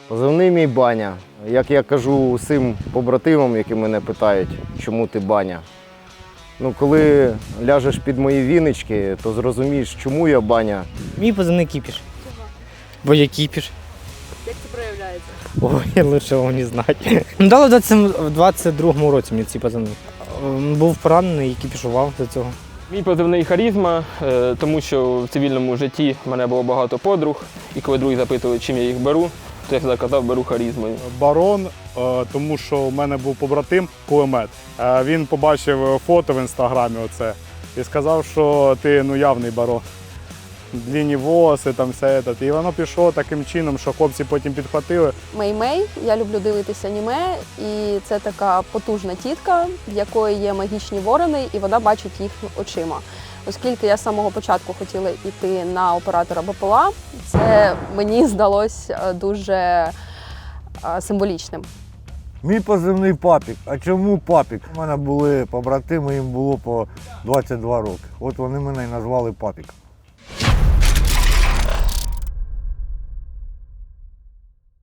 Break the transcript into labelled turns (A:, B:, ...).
A: Позивний мій Баня. Як я кажу усім побратимам, які мене питають, чому ти Баня. Коли ляжеш під мої вінички, то зрозумієш, чому я Баня.
B: Мій позивний Кіпіш. Бо я Кіпіш.
C: Як це проявляється?
B: Ой, лише вам не знати. Дали в 22-му році мені ці позивні. Був поранений і кіпішував до цього.
D: Мій позивний харизма, тому що в цивільному житті в мене було багато подруг, і коли друзі запитували, чим я їх беру, то я завжди казав, беру харизмою.
E: Барон, тому що у мене був побратим кулемет. Він побачив фото в інстаграмі оце і сказав, що ти явний барон. Длінні волоси, там все це. І воно пішло таким чином, що хлопці потім підхватили.
C: Мей-Мей, я люблю дивитися аніме, і це така потужна тітка, в якої є магічні ворони, і вона бачить їх очима. Оскільки я з самого початку хотіла йти на оператора БПЛА, це мені здалося дуже символічним.
F: Мій позивний Папік. А чому Папік? У мене були побратими, їм було по 22 роки. От вони мене і назвали Папік.